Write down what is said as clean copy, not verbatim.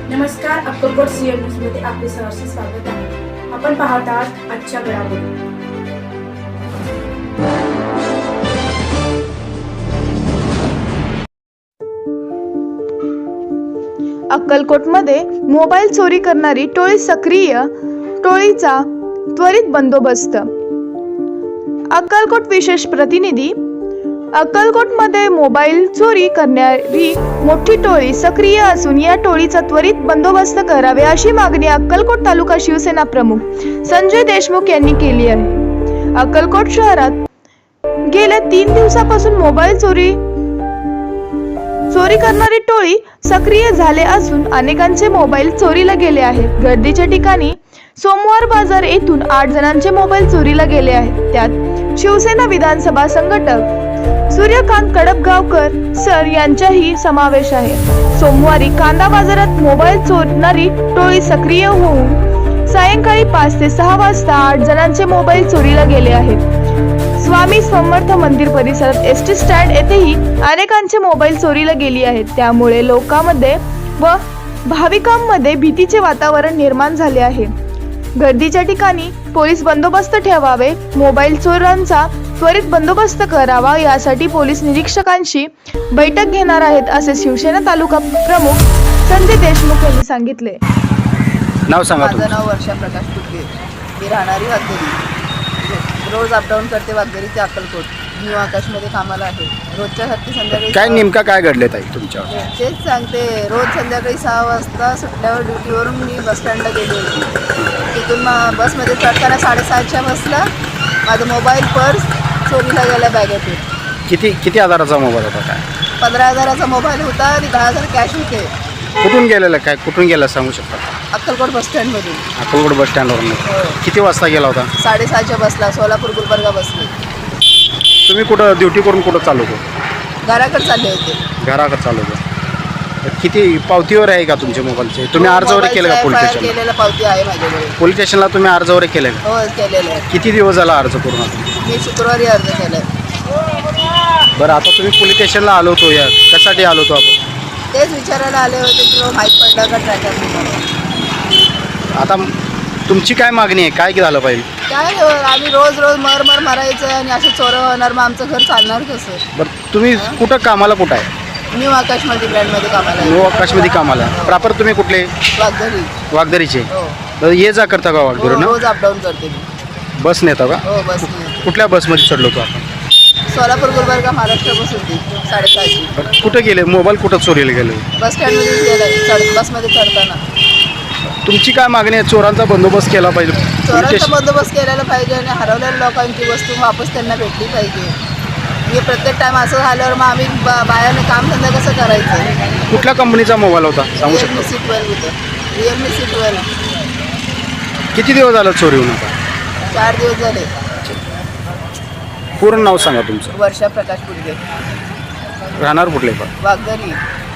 नमस्कार, Akkalkot CM news मध्ये आपले सहर्ष स्वागत आहे. आपण पाहत आहात आजच्या घडामोडी. अक्कलकोटमध्ये मोबाईल चोरी करणारी टोळी सक्रिय, टोळीचा त्वरित बंदोबस्त. अक्कलकोट विशेष प्रतिनिधी. अक्कलकोटमध्ये मोबाईल चोरी करणारी मोठी टोळी सक्रिय असून या टोळीचा त्वरित बंदोबस्त करावे अशी मागणी अक्कलकोट तालुका शिवसेना प्रमुख संजय देशमुख यांनी केली आहे. अक्कलकोट शहरात गेल्या 3 दिवसापासून मोबाईल चोरी करणारी टोळी सक्रिय झाले असून अनेकांचे मोबाईल चोरीला गेले आहेत. गर्दीच्या ठिकाणी सोमवार बाजार येथून 8 जणांचे मोबाईल चोरीला गेले आहेत. त्यात शिवसेना विधानसभा संघटक सूर्यकांत कडपगावकर सर यांचाही समावेश आहे. सोमवारी कांदा बाजारात मोबाईल चोरणारी टोळी सक्रिय होऊन सायंकाळी 5 ते 6 वाजता 8 जणांचे मोबाईल चोरीला गेले आहेत. स्वामी समर्थ मंदिर परिसरात एसटी स्टँड येथेही अनेकांचे मोबाईल चोरीला गेली आहेत. त्यामुळे लोकांमध्ये व भाविकांमध्ये भीतीचे वातावरण निर्माण झाले आहे. गर्दीच्या ठिकाणी पोलीस बंदोबस्त ठेवावे, मोबाईल चोरांचा त्वरित बंदोबस्त करावा यासाठी पोलीस निरीक्षकांशी बैठक घेणार आहेत असे शिवसेना तालुका प्रमुख संजय देशमुख यांनी सांगितले. नाव सांगा. माझं नाव वर्षा प्रकाश कुटके. मी राहणारी वाघेरी. रोज अपडाऊन करते वाघेरी ते अक्कलकोट. न्यू आकाशमध्ये कामाला आहे. रोजच्यासारखी संध्याकाळी काय नेमका काय घडले ताई तुमच्यावर? तेच सांगते. रोज संध्याकाळी 6 वाजता सुटल्यावर ड्युटीवरून मी बस स्टँडला गेली होती. तिथून बसमध्ये चढताना 6:30च्या बसला माझा मोबाईल पर्स चोरीला गेला बॅगेतून. किती हजाराचा मोबाईल होता? काय 15,000चा मोबाईल होता आणि 10,000 कॅश होते. कुठून गेलेला सांगू शकता? अक्कलकोट बस स्टँडमधून. अक्कलकोट बस स्टँडवरून. किती वाजता गेला होता? 6:30च्या बसला. सोलापूर गुलबर्गा बसली. तुम्ही कुठं ड्युटी करून कुठं चालू होतो? घराकडे चालले होते. घराकडे चालू होतो. किती पावतीवर आहे का तुमच्या मोबाईलचे? तुम्ही अर्ज वगैरे केलं का पोलीस स्टेशनला? केलेला पावती आहे माझ्याकडे. पोलीस स्टेशनला तुम्ही अर्ज वगैरे केलं का? हो केलेलं आहे. किती दिवस झाला अर्ज करून? मी शुक्रवारी अर्ज केलाय. बरं, आता तुम्ही पोलीस स्टेशनला आलो होतो, या कशासाठी आलो होतो आपण? तेच विचारायला आले होते की माहीत पडलं का ट्रॅकर म्हणून. आता तुमची काय मागणी आहे? काय झालं पाहिजे? काय आम्ही रोज मर मारायचं आणि असं चोरं होणार, मग आमचं घर चालणार कसं? बरं, तुम्ही कुठं कामाला कुठं आहे? न्यू आकाशमध्ये ब्रँडमध्ये कामाला आहे. न्यू आकाशमध्ये कामाला. प्रॉपर तुम्ही कुठले? वाघरी. वाघदरीचे. हो. तर ये जा करता का वाघदरीनं? रोज अपडाऊन करते मी. बस नेता का? हो बस. कुठल्या बसमध्ये चढलो होतो आपण? सोलापूर गुलबर्गा महाराष्ट्र बस होती 6:30ची. कुठं गेले मोबाईल? कुठं चोरीला गेले? बस स्टँडमध्ये गेलं बसमध्ये चढताना. तुमची काय मागणी आहे? चोरांचा बंदोबस्त केला पाहिजे. चोरांचा बंदोबस्त केलेला पाहिजे आणि हरवलेल्या लोकांची वस्तू वापस त्यांना भेटली पाहिजे. हे प्रत्येक टाइम असं झाल्यावर मग आम्ही बायाने कामधंदा कसं करायचं? कुठल्या कंपनीचा मोबाईल होता सांगू शकता? Realme C12 होतं. Realme C12. किती दिवस झालं चोरी होऊन? आता 4 दिवस झाले. पूर्ण नाव सांगा तुमचं. वर्षा प्रकाश पुडगे. राहणार कुठले पण? वाघरी.